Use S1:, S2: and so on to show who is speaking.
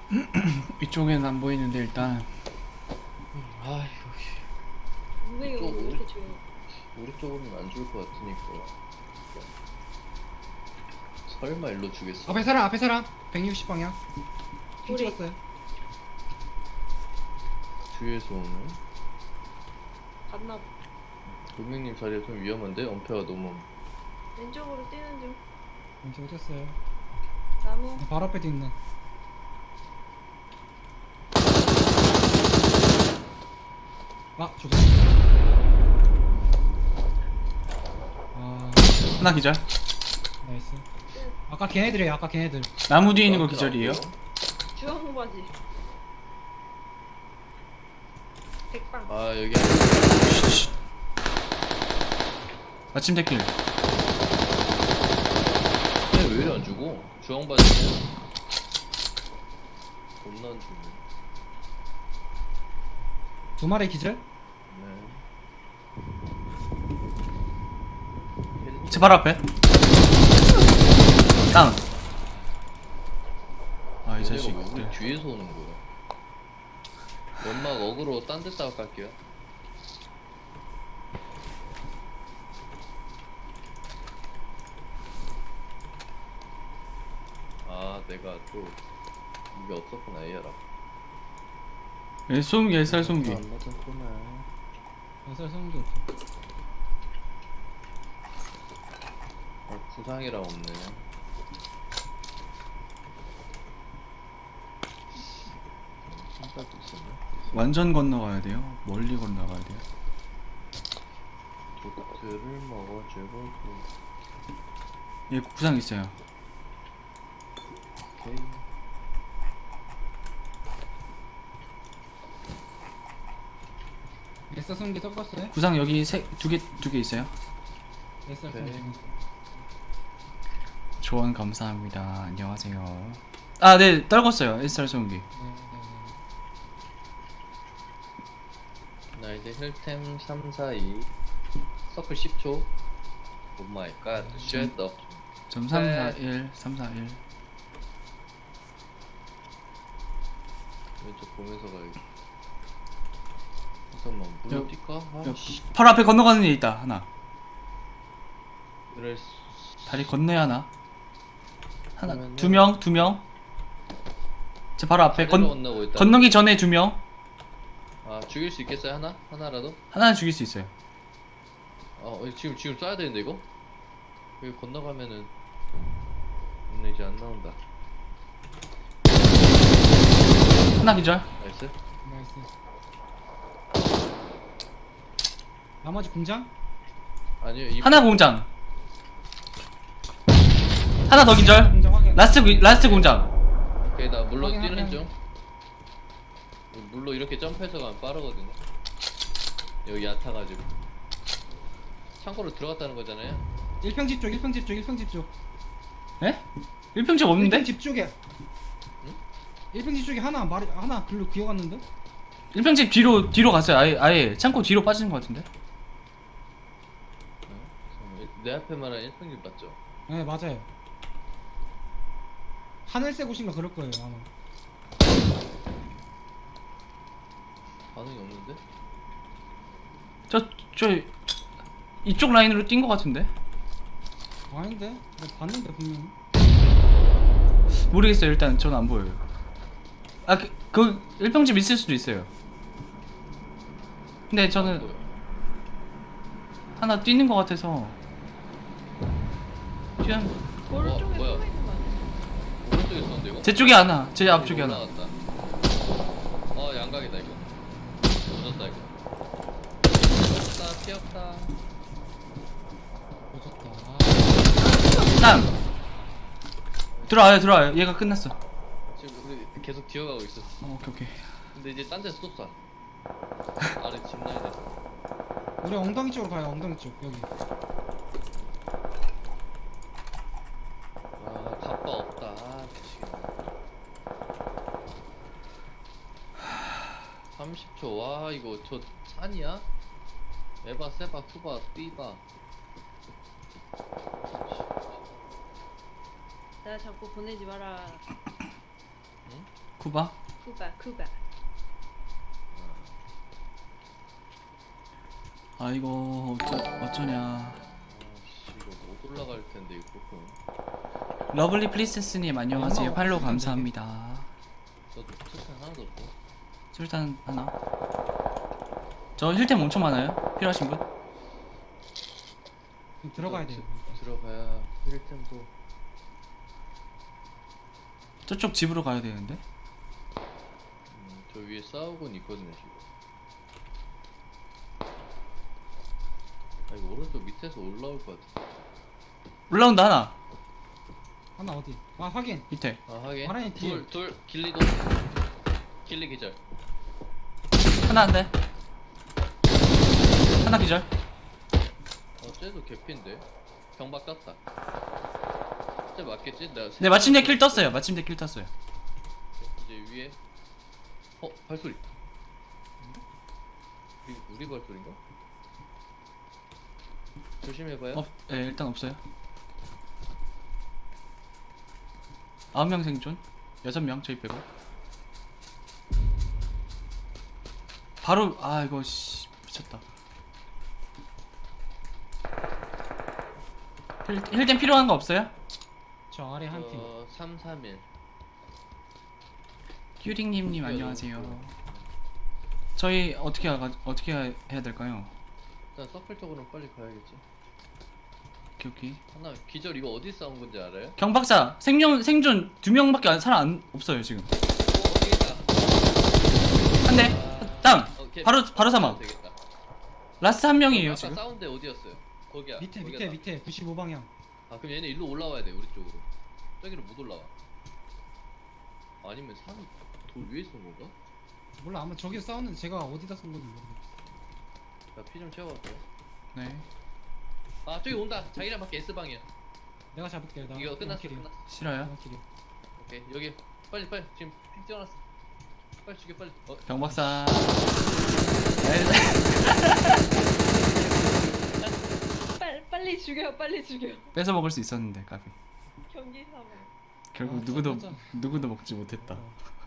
S1: 이쪽에는 안 보이는데 일단
S2: 아이고
S3: 왜 여기
S2: 또
S3: 이렇게 조용?
S2: 우리 쪽으로는 안 죽을 것 같으니까 설마 일로 주겠어?
S4: 앞에 사람 160방향 핑
S3: 우리.
S4: 찍었어요.
S2: 뒤에서 오는
S3: 봤나 봐.
S2: 도민님 자리가 좀 위험한데? 엄폐가 너무
S3: 왼쪽으로 뛰는 중.
S4: 왼쪽 찍었어요.
S3: 나무.
S4: 바로 앞에도 있네. 아 죽었어. 아
S1: 하나 기절.
S4: 나이스. 아까 걔네들이에요. 아까 걔네들.
S1: 나무 뒤에 있는 거 기절이에요.
S3: 주황 바지. 백방.
S2: 아 여기
S1: 마침 대길.
S2: 왜 이래 안 주고? 주황바지 겁나 안 주네.
S4: 두 마리 기절?
S2: 네.
S1: 제 바로 앞에. 다운. 아 이
S2: 얘네가
S1: 자식.
S2: 왜 우리 뒤에서 오는 거야? 연막 어그로 딴 데다가 깔게요. 아 내가 또 이게 없었구나 AR아.
S1: 예, 소음기 SR 소음기.
S2: 안 맞았구나.
S4: 살 쏘는 게 없어.
S2: 구상이랑 없네. 신발도 있었네.
S1: 완전 건너가야 돼요. 멀리 건너가야 돼요.
S2: 도트를 먹어주고
S1: 예, 구상 있어요.
S2: 오케이.
S4: SR 쏘는 게 떴었어요?
S1: 구상 여기 두 개 있어요.
S4: SR 쏘는 게.
S1: 조언 감사합니다. 안녕하세요. 아, 네, 떨궜어요. SR 소음기.
S4: 네.
S2: 나 이제 힐템 3, 4, 2 서클 10초. 오 마이 갓 쉣더.
S1: 점 341, 341.
S2: 왼쪽 보면서 가야겠다. 잠깐만 물로 뛸까? 아씨
S1: 바로 앞에 건너가는 애 있다. 하나.
S2: 그래.
S1: 다리 건너야 하나. 하나,
S2: 그러면은-
S1: 두 명. 제 바로 앞에
S2: 건너고 있다.
S1: 건너기 전에 두 명.
S2: 아 죽일 수 있겠어요 하나? 하나라도?
S1: 하나는 죽일 수 있어요.
S2: 지금 쏴야 되는데 이거? 여기 건너가면은 근데 이제 안 나온다.
S1: 하나 기절.
S2: 나이스.
S4: 나이스. 나머지 공장?
S2: 아니요 이
S1: 하나 공장. 하나 더 기절.
S4: 공장 확인.
S1: 라스트 공장.
S2: 오케이 나 물로
S4: 확인,
S2: 뛰는
S4: 확인.
S2: 중. 물로 이렇게 점프해서 가면 빠르거든요. 여기 얕아가지고. 창고로 들어갔다는 거잖아요.
S4: 1평집 쪽 1평집 쪽
S1: 예? 1평집 없는데?
S4: 1평집 쪽에.
S2: 응?
S4: 1평집 쪽에 하나 글로 기어갔는데?
S1: 1평집 뒤로 갔어요. 아예 창고 뒤로 빠지는 것 같은데.
S2: 내 앞에 말한 1평집 맞죠?
S4: 네 맞아요. 하늘색 옷인가 그럴 거예요 아마.
S2: 반응이 없는데?
S1: 저 이쪽 라인으로 뛴 것 같은데.
S4: 아닌데? 내가 봤는데 분명히.
S1: 모르겠어요. 일단 저는 안 보여요. 아, 그 1평집 있을 수도 있어요. 근데
S2: 안
S1: 저는
S2: 보여.
S1: 하나 뛰는 것 같아서 그냥
S3: 오른쪽에
S2: 뭐야?
S3: 숨어 있는 거 아니야?
S2: 오른쪽에 있었는데 이거?
S1: 제 쪽에 하나, 제 앞쪽에 하나.
S2: 올라갔다. 양각이다 이거. 늦었다 이거. 피었다.
S4: 늦었다.
S1: 땅. 들어와요. 얘가 끝났어.
S2: 지금 우리 계속 기어가고 있어.
S1: 오케이.
S2: 근데 이제 딴 데서 또 쏴. 아래 집 나야 돼.
S4: 우리 엉덩이 쪽으로 가요. 엉덩이 쪽 여기.
S2: 갑바 없다. 미치겠네. 30초. 와 이거 저 산이야? 에바 세바 후바 삐바.
S3: 나 자꾸 보내지 마라.
S2: 응?
S1: 쿠바?
S3: 쿠바.
S1: 아 이거 어쩌냐.
S2: 아씨 이거 못 올라갈 텐데 이거 조금.
S1: 러블리 프리세스님 안녕하세요.
S4: 엄마
S1: 팔로우
S4: 없으면
S1: 감사합니다.
S2: 나도 투싼 하나도 없고.
S1: 술단 하나. 저 힐템 엄청 많아요. 필요하신 분?
S4: 좀 들어가야 돼요.
S2: 들어가야 힐템도.
S1: 저쪽 집으로 가야 되는데.
S2: 저 위에 싸우고는 있거든요 지금. 아 이거 오른쪽 밑에서 올라올 것 같아.
S1: 올라온다 하나.
S4: 하나 어디? 아 확인.
S1: 밑에.
S2: 아 하긴.
S4: 마라니 뒤에.
S2: 둘 길리도. 길리 기절.
S1: 하나 안 돼. 하나 기절.
S2: 쟤도 개피인데. 경박 깠다. 쟤 맞겠지? 내가
S1: 네 마침내 킬 떴어요. 마침내 킬 떴어요.
S2: 이제 위에. 발소리. 우리 발소리인가? 조심해봐요.
S1: 네 일단 없어요. 9명 생존. 6명 저희 빼고. 바로 아 이거 씨 미쳤다. 힐템 필요한 거 없어요?
S4: 저 아래 한 팀.
S2: 3, 3일.
S1: 큐링님님 안녕하세요. 저희 어떻게 해야 될까요?
S2: 일단 서클 쪽으로 빨리 가야겠지.
S1: 오케이.
S2: 하나 기절 이거 어디 싸운 건지 알아요?
S1: 경박사 생존 2명밖에 사람 없어요 지금.
S2: 어디 있다.
S1: 한 대. 다운.
S2: 오케이.
S1: 바로 사망.
S2: 되겠다.
S1: 라스트 한 명이에요
S2: 아까
S1: 지금.
S2: 싸운 데 어디였어요? 거기야.
S4: 밑에
S2: 거기다.
S4: 밑에 95방향.
S2: 아 그럼 얘네 일로 올라와야 돼 우리 쪽으로. 저기로 못 올라와. 아니면 산 돌 위에 쏜 건가?
S4: 몰라 아마 저기서 싸웠는데 제가 어디다 쏜 건지 모르겠어.
S2: 나 피 좀 채워갈게요.
S1: 네.
S2: 아 저기 온다. 자기랑 밖에 S 방이야.
S4: 내가 잡을게. 나
S2: 이거 끝났어.
S4: 킬이야.
S2: 끝났어.
S1: 싫어요.
S4: 내가 킬이야.
S2: 오케이 여기 빨리 지금 픽 찍어놨어. 빨리 죽여 빨리.
S1: 경박사.
S3: 빨리 죽여.
S1: 뺏어 먹을 수 있었는데 까비.
S3: 경기 사망.
S1: 결국
S4: 아,
S1: 누구도
S4: 진짜.
S1: 누구도 먹지 못했다.
S4: 어.